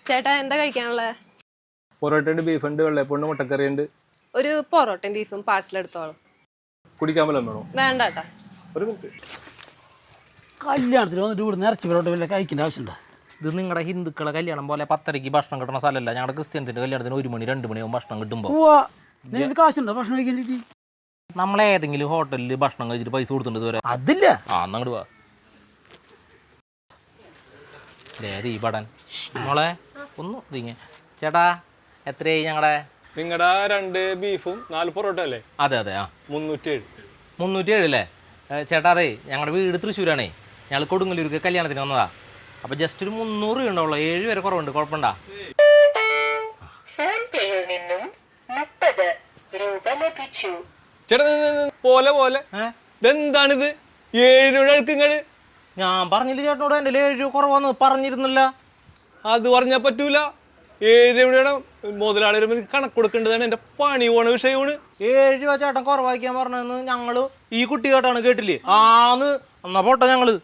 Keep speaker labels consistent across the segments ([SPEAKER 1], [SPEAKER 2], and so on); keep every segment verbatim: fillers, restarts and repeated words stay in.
[SPEAKER 1] ചേട്ടാ എന്താ കഴിക്കാനുള്ളത്?
[SPEAKER 2] പൊറോട്ട ഉണ്ട്, ബീഫ് ഉണ്ട്, വെള്ളയപ്പുണ്ട്, മുട്ടക്കറി ഉണ്ട്.
[SPEAKER 1] ഒരു പൊറോട്ടയും ബീഫും പാഴ്സൽ എടുത്തോളാം.
[SPEAKER 2] കുടിക്കാൻ വല്ലതും വേണോ?
[SPEAKER 1] വേണ്ട കേട്ടാ.
[SPEAKER 2] ഒരു മിനിറ്റ്.
[SPEAKER 3] കല്യാണത്തിന് വന്നിട്ട് ഇവിടെ നിറച്ച് പൊറോട്ട വല്ല കഴിക്കേണ്ട ആവശ്യമുണ്ടോ?
[SPEAKER 4] ഇത് നിങ്ങളുടെ ഹിന്ദുക്കളെ കല്യാണം പോലെ പത്തരയ്ക്ക് ഭക്ഷണം കിട്ടുന്ന സ്ഥലമല്ല. ഞങ്ങളുടെ ക്രിസ്ത്യൻസിന്റെ കല്യാണത്തിന് ഒരു മണി രണ്ട് മണിയാവും ഭക്ഷണം കിട്ടുമ്പോൾ.
[SPEAKER 3] നിനക്ക് കാശുണ്ടോ ഭക്ഷണം കഴിക്കാൻ?
[SPEAKER 4] നമ്മളേതെങ്കിലും ഹോട്ടലിൽ ഭക്ഷണം കഴിച്ചിട്ട് പൈസ കൊടുത്തിട്ടുണ്ട് ഇതുവരെ?
[SPEAKER 3] അതില്ല.
[SPEAKER 4] ആ അങ്ങോട്ട് പോവാ. ഈ പടൻ മോളെ ഒന്ന് തിങ്ങ. ചേട്ടാ എത്രയായി ഞങ്ങളുടെ?
[SPEAKER 2] നിങ്ങളുടെ രണ്ട് ബീഫും നാല് പൊറോട്ട അല്ലേ?
[SPEAKER 4] അതെ അതെ. ആ
[SPEAKER 2] മുന്നൂറ്റി ഏഴ്.
[SPEAKER 4] മുന്നൂറ്റി ഏഴ് അല്ലേ? ചേട്ടാ അതെ, ഞങ്ങളുടെ വീട് തൃശ്ശൂരാണേ. ഞങ്ങൾ കൊടുങ്ങല്ലൂർക്ക് കല്യാണത്തിന് വന്നതാ. അപ്പൊ ജസ്റ്റ് ഒരു മുന്നൂറ് രൂപ ഉണ്ടാവുള്ളൂ. ഏഴ് വരെ കുറവുണ്ട്. കുഴപ്പമുണ്ടാ?
[SPEAKER 2] ചേട്ടാ പോലെ പോലെ ഇതെന്താണിത്? ഏഴ് രൂപ അടുക്കിങ്ങട്.
[SPEAKER 4] ഞാൻ പറഞ്ഞില്ല ചേട്ടനോട് എൻ്റെ ഏഴ് രൂപ കുറവാന്ന് പറഞ്ഞിരുന്നില്ല.
[SPEAKER 2] അത് പറഞ്ഞാൽ പറ്റൂല. ഏഴ് രൂപയുടെ മുതലാളി കണക്ക് കൊടുക്കേണ്ടതാണ്. എന്റെ പണി പോണ വിഷയമാണ്.
[SPEAKER 4] ഏഴ് രൂപ ചേട്ടൻ കുറവാക്കാൻ പറഞ്ഞതെന്ന് ഞങ്ങള് ഈ കുട്ടി കേട്ടാണ് കേട്ടില്ലേ? ആന്ന് എന്നാ പോട്ടെ ഞങ്ങള്.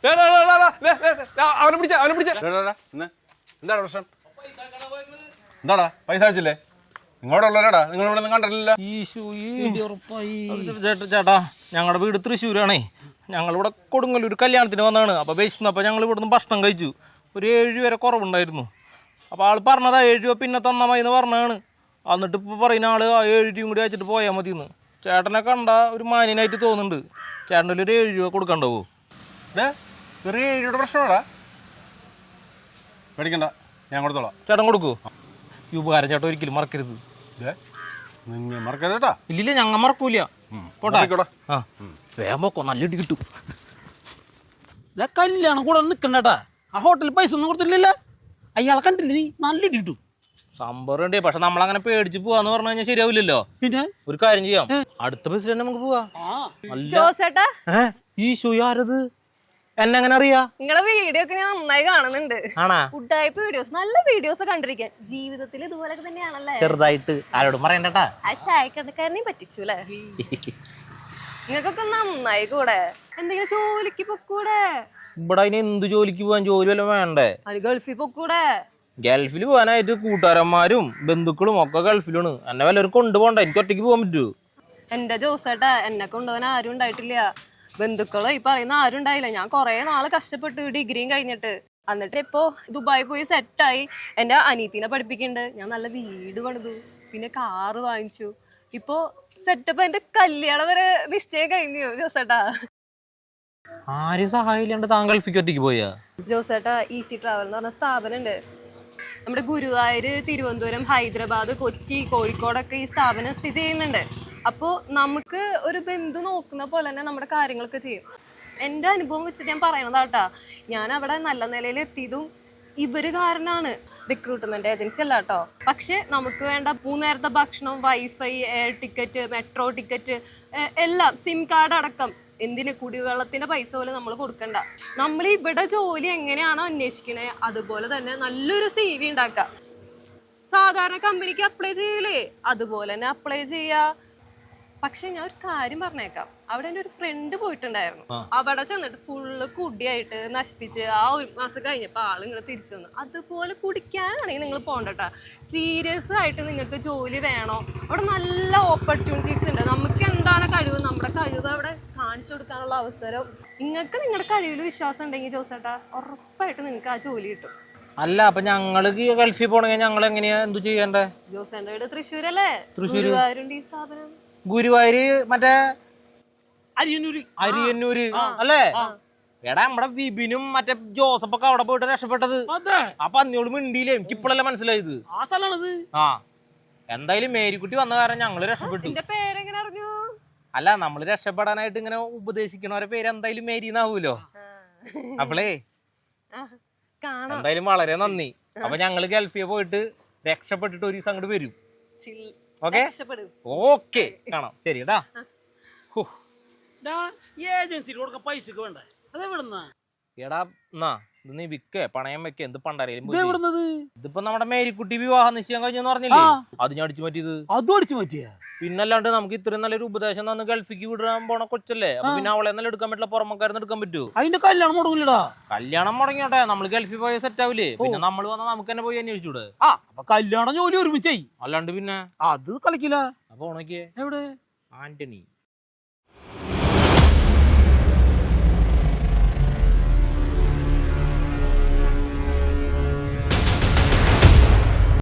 [SPEAKER 2] അവനെ പിടിച്ച അവനെ പിടിച്ച
[SPEAKER 5] എന്താണ് പ്രശ്നം? എന്താടാ പൈസ അയച്ചില്ലേ? ഇങ്ങോട്ടുള്ളവരാടാ, നിങ്ങൾ ഇവിടെ കണ്ടിട്ടില്ല.
[SPEAKER 4] ചേട്ടാ ഞങ്ങളുടെ വീട് തൃശ്ശൂരാണേ. ഞങ്ങളിവിടെ കൊടുങ്ങല്ലൂർ കല്യാണത്തിന് വന്നതാണ്. അപ്പോൾ ബസ്സിന്നപ്പോൾ ഞങ്ങൾ ഇവിടുന്ന് ഭക്ഷണം കഴിച്ചു. ഒരു ഏഴ് വരെ കുറവുണ്ടായിരുന്നു. അപ്പോൾ ആൾ പറഞ്ഞതാ ഏഴ് രൂപ പിന്നെ തന്നാൽ മതി എന്ന് പറഞ്ഞതാണ്. എന്നിട്ട് ഇപ്പോൾ പറയുന്ന ആൾ ആ ഏഴ് രൂപയും കൂടി അയച്ചിട്ട് പോയാൽ മതി എന്ന്. ചേട്ടനെ കണ്ട ഒരു മാന്യനായിട്ട് തോന്നുന്നുണ്ട്. ചേട്ടൻ്റെ ഒരു ഏഴ് രൂപ കൊടുക്കണ്ടാവോ?
[SPEAKER 5] ചെറിയ ഏഴ് രൂപയുടെ പ്രശ്നമാടാ. മേടിക്കണ്ട, ഞാൻ കൊടുത്തോളാം.
[SPEAKER 4] ചേട്ടൻ കൊടുക്കൂ. ഈ ഉപകാരം ചേട്ടൻ ഒരിക്കലും മറക്കരുത്.
[SPEAKER 5] നിങ്ങൾ മറക്കരുതേട്ടാ.
[SPEAKER 4] ഇല്ലില്ല, ഞങ്ങൾ മറക്കൂല. പോട്ടെ. ആ വേഗം പോക്കോ, നല്ല ഇടി കിട്ടും.
[SPEAKER 3] കല്യാണം കൂടെ നിൽക്കണ്ടേട്ടാ. ആ ഹോട്ടലിൽ പൈസ ഒന്നും കൊടുത്തില്ലല്ലോ. അയാളെ കണ്ടില്ല നീ? നല്ല ഇടി കിട്ടും.
[SPEAKER 4] സംഭവം ഉണ്ട്. പക്ഷെ നമ്മളങ്ങനെ പേടിച്ച് പോവാന്ന് പറഞ്ഞു കഴിഞ്ഞാൽ ശരിയാവില്ലല്ലോ.
[SPEAKER 3] പിന്നെ
[SPEAKER 4] ഒരു കാര്യം ചെയ്യാം, അടുത്ത ബസ്സിൽ തന്നെ നമുക്ക് പോവാ.
[SPEAKER 1] ജോസേട്ടാ
[SPEAKER 4] ഈ ഷൂ ആരത്? എന്നെ എങ്ങനെ അറിയാ?
[SPEAKER 1] നിങ്ങളെ വീഡിയോ ഒക്കെ ഞാൻ നന്നായി കാണുന്നുണ്ട്.
[SPEAKER 4] ആണാ?
[SPEAKER 1] ഫുഡായ്പ വീഡിയോസ്, നല്ല വീഡിയോസ് കണ്ടിരിക്കാൻ. ജീവിതത്തിൽ ഇതുപോലൊക്കെ തന്നെയാണല്ലേ?
[SPEAKER 4] ചെറുതായിട്ട് ആരോടും പറയണ്ടട്ടാ.
[SPEAKER 1] ആ ചായക്കടക്കാരനെയും പറ്റിച്ചു അല്ലേ? നിങ്ങൾക്കൊക്കെ നന്നായി കൂടെ. എന്തെങ്കിലും ജോലിക്ക് പൊക്കൂടെ?
[SPEAKER 4] ഇവിടെ അതിന് എന്ത് ജോലിക്ക് പോവാൻ? ജോലി വല്ലതും വേണ്ടേ?
[SPEAKER 1] അത് ഗൾഫിൽ പൊക്കൂടെ?
[SPEAKER 4] ഗൾഫിൽ പോകാനായിട്ട് കൂട്ടുകാരന്മാരും ബന്ധുക്കളും ഒക്കെ ഗൾഫിലാണ്. എന്നെ വല്ലവരും കൊണ്ടുപോകണ്ട. എനിക്ക് ഒറ്റയ്ക്ക് പോകാൻ പറ്റൂ?
[SPEAKER 1] എന്റെ ജോസേട്ടാ, എന്നെ കൊണ്ടുപോകാൻ ആരും ഉണ്ടായിട്ടില്ല. ബന്ധുക്കളോ ഈ പറയുന്ന ആരും ഉണ്ടായില്ല. ഞാൻ കുറെ നാള് കഷ്ടപ്പെട്ടു ഡിഗ്രിയും കഴിഞ്ഞിട്ട്. എന്നിട്ട് ഇപ്പോ ദുബായി പോയി സെറ്റായി. എന്റെ അനീത്തിനെ പഠിപ്പിക്കുന്നുണ്ട്. ഞാൻ നല്ല വീട് പണിതു, പിന്നെ കാറ് വാങ്ങിച്ചു. ഇപ്പൊ സെറ്റപ്പ്. എന്റെ കല്യാണം വരെ നിശ്ചയം കഴിഞ്ഞു ജോസേട്ടാ.
[SPEAKER 4] ആരും സഹായില്ലാണ്ട് താൻ ഗൾഫിക്ക് ഒറ്റയ്ക്ക് പോയാ?
[SPEAKER 1] ജോസേട്ടാ, ഈസി ട്രാവൽ എന്ന് പറഞ്ഞ സ്ഥാപനം ഉണ്ട് നമ്മുടെ ഗുരുവായൂര്, തിരുവനന്തപുരം, ഹൈദരാബാദ്, കൊച്ചി, കോഴിക്കോടൊക്കെ ഈ സ്ഥാപനം സ്ഥിതി ചെയ്യുന്നുണ്ട്. അപ്പോൾ നമുക്ക് ഒരു ബന്ധു നോക്കുന്ന പോലെ തന്നെ നമ്മുടെ കാര്യങ്ങളൊക്കെ ചെയ്യും. എൻ്റെ അനുഭവം വെച്ചിട്ട് ഞാൻ പറയണതാട്ടാ. ഞാൻ അവിടെ നല്ല നിലയിൽ എത്തിയതും ഇവര് കാരണമാണ്. റിക്രൂട്ട്മെന്റ് ഏജൻസി അല്ല കേട്ടോ. പക്ഷെ നമുക്ക് വേണ്ട മൂന്നേരത്തെ ഭക്ഷണം, wifi, air ticket, metro ticket എല്ലാം, സിം കാർഡ് അടക്കം. എന്തിന്? കുടിവെള്ളത്തിന്റെ പൈസ പോലും നമ്മൾ കൊടുക്കണ്ട. നമ്മൾ ഇവിടെ ജോലി എങ്ങനെയാണോ അന്വേഷിക്കണേ അതുപോലെ തന്നെ നല്ലൊരു സി വി ഉണ്ടാക്കാം. സാധാരണ കമ്പനിക്ക് അപ്ലൈ ചെയ്യൂലേ, അതുപോലെ തന്നെ അപ്ലൈ ചെയ്യാ. പക്ഷെ ഞാൻ ഒരു കാര്യം പറഞ്ഞേക്കാം, അവിടെ എൻ്റെ ഒരു ഫ്രണ്ട് പോയിട്ടുണ്ടായിരുന്നു. അവിടെ ചെന്നിട്ട് ഫുള്ള് കുടിയായിട്ട് നശിപ്പിച്ച് ആ ഒരു മാസം കഴിഞ്ഞപ്പോൾ ആൾ നിങ്ങൾ തിരിച്ചു വന്നു. അതുപോലെ കുടിക്കാനാണെങ്കിൽ നിങ്ങൾ പോകണ്ടട്ടാ. സീരിയസ് ആയിട്ട് നിങ്ങൾക്ക് ജോലി വേണോ? അവിടെ നല്ല ഓപ്പർച്യൂണിറ്റീസ് ഉണ്ട്. നമുക്ക് എന്താണ് കഴിവ്, നമ്മുടെ കഴിവ് അവിടെ കാണിച്ചു കൊടുക്കാനുള്ള അവസരം. നിങ്ങൾക്ക് നിങ്ങളുടെ കഴിവിൽ വിശ്വാസം ഉണ്ടെങ്കിൽ ജോസേട്ടാ, ഉറപ്പായിട്ട് നിങ്ങൾക്ക് ആ ജോലി കിട്ടും.
[SPEAKER 4] അല്ല, അപ്പൊ ഞങ്ങള് ഗൾഫിൽ പോണെങ്കിൽ ഞങ്ങൾ എങ്ങനെയാ എന്തു ചെയ്യണ്ടേ?
[SPEAKER 1] ജോസേന്റെ വീട് തൃശ്ശൂരല്ലേ? ഗുരുവായൂരുണ്ട് ഈ സ്ഥാപനം.
[SPEAKER 4] ഗുരുവായൂര് മറ്റേ
[SPEAKER 3] അരിയന്നൂര്.
[SPEAKER 4] അരിയന്നൂര് അല്ലേ? എടാ നമ്മുടെ വിപിനും മറ്റേ ജോസഫൊക്കെ അവിടെ പോയിട്ട് രക്ഷപ്പെട്ടത്. അപ്പൊ അന്നോട് മിണ്ടിയില്ലേ? എനിക്ക് ഇപ്പോഴല്ലേ മനസ്സിലായത്.
[SPEAKER 3] ആ സ്ഥലമാണത്.
[SPEAKER 4] ആ എന്തായാലും മേരിക്കുട്ടി വന്ന കാരണം ഞങ്ങള് രക്ഷപ്പെട്ടു.
[SPEAKER 1] പേരെങ്ങനെ അറിഞ്ഞു?
[SPEAKER 4] അല്ല, നമ്മള് രക്ഷപ്പെടാനായിട്ട് ഇങ്ങനെ ഉപദേശിക്കണവരെ പേര് എന്തായാലും മേരി എന്നാവൂലോ. അപ്പളേ എന്തായാലും വളരെ നന്ദി. അപ്പൊ ഞങ്ങള് ഗൾഫിൽ പോയിട്ട് രക്ഷപ്പെട്ടിട്ട് ഒരു ദിവസം അങ്ങോട്ട് വരും. ഓക്കെ ഓക്കെ കാണാം. ശരി ടാ.
[SPEAKER 3] ഏജൻസിയിൽ കൊടുക്കാൻ പൈസക്ക് വേണ്ടേ? അതെവിടുന്നാ?
[SPEAKER 4] എടാ എന്നാ ഇത് നീ വിക്കേ പണയം വെക്കേ എന്ത് പണ്ടാരേലും
[SPEAKER 3] ഇത് എവിടുന്നത്?
[SPEAKER 4] ഇതിപ്പോ നമ്മുടെ മേരിക്കുട്ടി വിവാഹ നിശ്ചയം കഴിഞ്ഞെന്ന് പറഞ്ഞില്ലേ, അത് ഞാൻ അടിച്ചു മാറ്റിയത്.
[SPEAKER 3] അതും അടിച്ചു മാറ്റിയ?
[SPEAKER 4] പിന്നല്ലാണ്ട് നമുക്ക് ഇത്രയും നല്ലൊരു ഉപദേശം തന്ന് ഗൾഫിക്ക് വിടാൻ പോണ കൊച്ചല്ലേ, അപ്പൊ പിന്നെ അവളെ നല്ല എടുക്കാൻ പറ്റില്ല, പുറമക്കാരെന്ന് എടുക്കാൻ പറ്റൂ.
[SPEAKER 3] അതിന്റെ കല്യാണം മുടങ്ങില്ലടാ.
[SPEAKER 4] കല്യാണം മുടങ്ങിയോട്ടെ, നമ്മൾ ഗൾഫിൽ പോയ സെറ്റ് ആവില്ലേ, പിന്നെ നമ്മൾ വന്നാൽ നമുക്ക് തന്നെ പോയി അന്വേഷിച്ചൂടെ?
[SPEAKER 3] ആ അപ്പൊ കല്യാണം ജോലി ഒരുമിച്ചായി.
[SPEAKER 4] അല്ലാണ്ട് പിന്നെ
[SPEAKER 3] അത് കളിക്കില്ല.
[SPEAKER 4] അപ്പൊ ഉണക്കിയേ
[SPEAKER 3] എവിടെ?
[SPEAKER 4] ആന്റണി